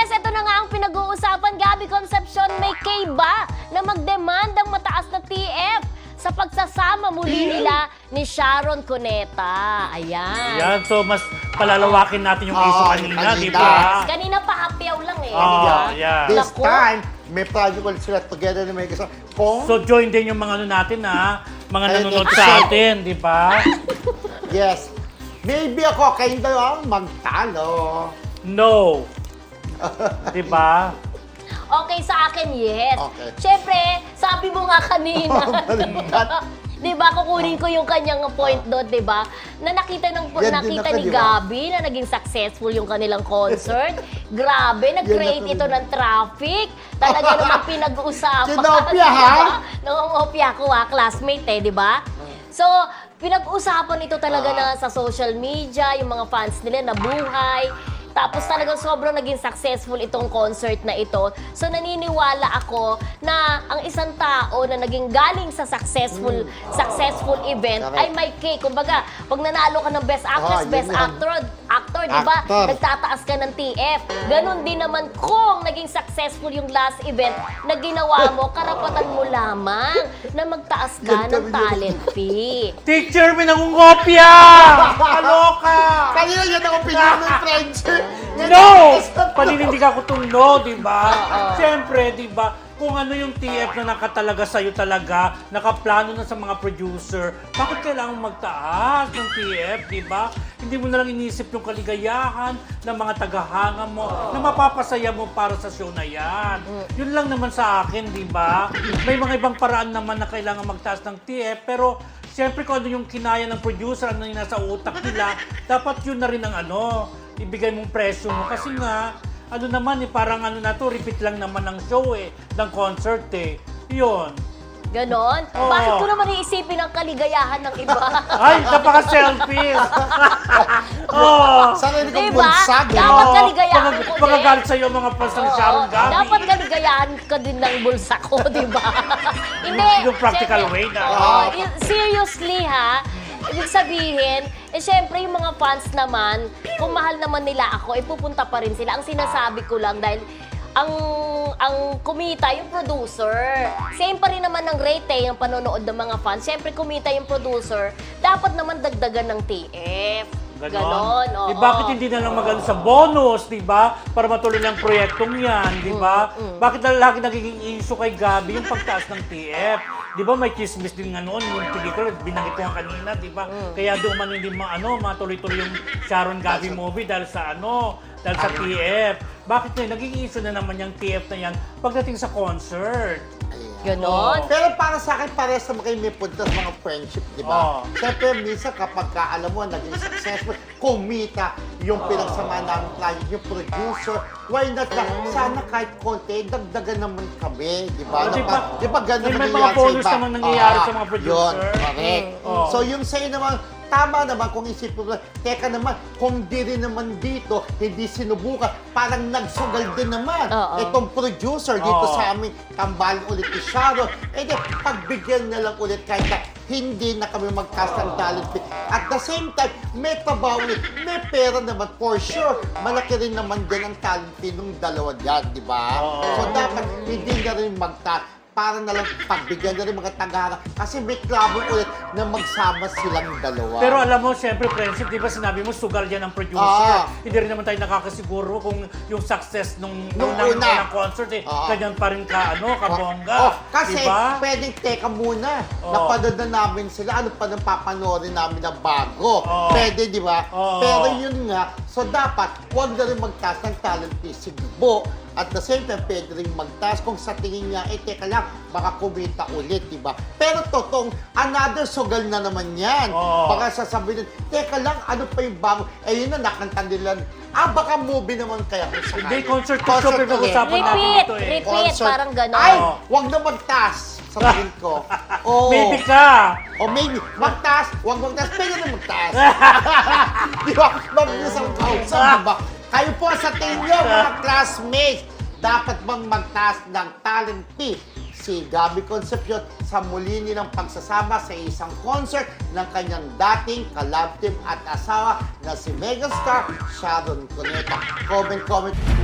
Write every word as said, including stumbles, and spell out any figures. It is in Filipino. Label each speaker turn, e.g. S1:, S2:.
S1: Marites, ito na nga ang pinag-uusapan. Gabby Concepcion, may kay ba na magdemandang mataas na T F sa pagsasama muli nila ni Sharon Cuneta. Ayan.
S2: Yan, so mas palalawakin natin yung
S3: Oo,
S2: issue kanina,
S3: kanina.
S2: di ba?
S1: Kanina pa hapyaw lang eh.
S2: Oo,
S1: di ba?
S2: yeah.
S3: This
S1: Naku.
S3: time, may project ulit sila together na may kasama. Kung,
S2: So join din yung mga ano natin ha, mga
S3: Ayun,
S2: nanonood
S3: episode.
S2: sa atin, di ba?
S3: yes, maybe ako, kayong dalawa magtalo.
S2: No. Di ba?
S1: Okay, sa akin, yes.
S3: Okay.
S1: Siyempre, sabi mo nga kanina.
S3: Balikat.
S1: Di ba, kukunin ko yung kanyang point doon, di ba? Na nakita, ng,
S3: Yan din
S1: nakita
S3: ako,
S1: ni
S3: di ba?
S1: Gabi na naging successful yung kanilang concert. Grabe, nag-create
S3: Yan
S1: ito
S3: ako.
S1: ng traffic. Talaga naman pinag-uusapan.
S3: Kinopia, ha?
S1: Diba? Nangongopia ko, ha? Classmate, eh, di ba? So, pinag-usapan ito talaga
S3: Ah.
S1: na sa social media, yung mga fans nila nabuhay. Tapos talagang sobrang naging successful itong concert na ito. So naniniwala ako na ang isang tao na naging galing sa successful successful event
S3: Correct.
S1: ay may cake. Kumbaga, pag nanalo ka ng Best Actress,
S3: Ah, yun
S1: Best
S3: yun.
S1: Actor, actor, di ba?
S3: Actor.
S1: Nagtataas ka ng T F. Ganon din naman kung naging successful yung last event na ginawa mo, karapatan mo lamang na magtaas ka ng talent fee.
S2: Teacher, may nangungopia! Kaloka!
S3: Kanina yan ang opinion ng friendship.
S2: No! Paninindig ako itong no, di ba? Siyempre, di ba? Kung ano yung T F na nakatalaga sa'yo talaga, nakaplano na sa mga producer, bakit kailangan magtaas ng T F, di ba? Hindi mo na lang inisip yung kaligayahan ng mga tagahanga mo na mapapasaya mo para sa show na yan. Yun lang naman sa akin, di ba? May mga ibang paraan naman na kailangan magtaas ng T F, pero siyempre kung ano yung kinaya ng producer, ano yung nasa utak nila, dapat yun na rin ang ano, ibigay mong presyo mo. Kasi nga, ano naman eh, parang ano na to, repeat lang naman ng show eh, ng concert eh. Yun.
S1: Ganon?
S2: Oo.
S1: Bakit ko naman iisipin ang kaligayahan ng iba?
S2: Ay, napaka-selfish! oh.
S3: Sarili kong
S1: Diba?
S3: bunsag. eh.
S1: Dapat
S2: Oo.
S1: kaligayahan
S2: Pag-
S1: ko din.
S2: Pagkagalit sa'yo ang mga fans ng
S1: Oo,
S2: Sharon Gabi.
S1: dapat kaligayahan ka din ng bulsa ko, di ba? Hindi.
S2: Yung practical
S1: syempre-
S2: way na.
S1: Oo, y- seriously ha, ibig sabihin, eh syempre yung mga fans naman, kung mahal naman nila ako, eh pupunta pa rin sila. Ang sinasabi ko lang dahil ang ang kumita yung producer. Same pa rin naman ng rate eh, yung panonood ng mga fans. Siyempre kumita yung producer, dapat naman dagdagan ng T F.
S2: Ganon.
S1: Ganon, oo.
S2: Eh, bakit hindi na lang magano sa bonus, di ba? Para matuloy lang proyektong yan, di ba?
S1: Mm,
S2: Bakit na lagi nagiging issue kay Gabi yung pagtaas ng T F? Di ba may chismis din nga noon, yung pelikula, binanggit ko nga kanina, di ba?
S1: Mm.
S2: Kaya doon man hindi ma, ano, matuloy-tuloy yung Sharon Gabi movie dahil sa ano, dahil sa T F. Bakit na naging issue na naman yung T F na yan pagdating sa concert?
S1: Ganon.
S3: Pero para sa akin, parehas naman kayo may punta sa mga friendship, di ba?
S2: Oo.
S3: Siyempre, minsan kapag ka, alam mo, naging successful, kumita yung pinagsama namin client, yung producer, why not lang, sana kahit konti, dagdagan naman kami, di ba?
S2: Oh, di
S3: Napa-
S2: ba?
S3: Di ba ganun
S2: May- may
S3: nangyayari
S2: mga
S3: sa
S2: bonus
S3: iba?
S2: naman nangyayari
S3: Ah,
S2: sa mga producer.
S3: Yun, correct.
S2: Mm, oo.
S3: So yung sa'yo naman, tama naman kung isipin mo, teka naman, kung di rin naman dito, hindi sinubukan, parang nagsugal din naman
S1: Oo.
S3: itong producer dito
S2: Oo.
S3: sa amin, tambalan ulit ni Sharon. Eh di, pagbigyan na lang ulit kahit na hindi na kami magcast ng talent fee. At the same time, may trabaho ulit, may pera naman for sure. Malaki rin naman din ang talent fee ng dalawa dyan, di ba?
S2: Oo.
S3: So dapat hindi na rin magcast. Para na lang pagbigyan na rin mga tagara. Kasi may trouble ulit na magsama silang dalawa.
S2: Pero alam mo, siyempre, friendship, di ba sinabi mo, sugal yan ang producer.
S3: Ah.
S2: Hindi rin naman tayo nakakasiguro kung yung success nung, nung,
S3: Nung
S2: nung,
S3: una.
S2: unang concert, eh,
S3: Ah.
S2: ganyan pa rin ka, ano, kabongga.
S3: Oh, kasi
S2: diba?
S3: pwedeng teka muna.
S2: Oh.
S3: Napanood na namin sila. Ano pa nang papanoorin namin na bago?
S2: Oh.
S3: Pwede, di ba?
S2: Oh.
S3: Pero yun nga, so dapat huwag na rin magtaas ng talent fee si Gbo. At the same time, pwede rin magtaas kung sa tingin niya, eh teka lang, baka kumita ulit, di ba? Pero totoong, another sugal na naman yan.
S2: Oo.
S3: Baka sasabihin, teka lang, ano pa yung bago? Eh yun na, nakanta nila. Ah, baka movie naman kaya kung sakali.
S2: Hindi, concert to show,
S3: Concert
S2: pinag-usapan
S3: ulit.
S2: natin
S1: Repeat,
S2: ito eh.
S1: repeat,
S3: Concert.
S1: parang ganon.
S3: Ay,
S2: Oo.
S3: wag na magtaas. Sabihin ko. Oo.
S2: Maybe ka.
S3: O maybe, magtaas, wag magtaas, pwede na magtaas. Di ba? Mabilis ang kausap, di ba? Kayo po sa tingin nyo, mga classmates, dapat bang magtaas ng talent fee si Gabby Concepcion sa muli nilang pagsasama sa isang concert ng kanyang dating ka-love team at asawa na si megastar Sharon Cuneta? Comment, comment.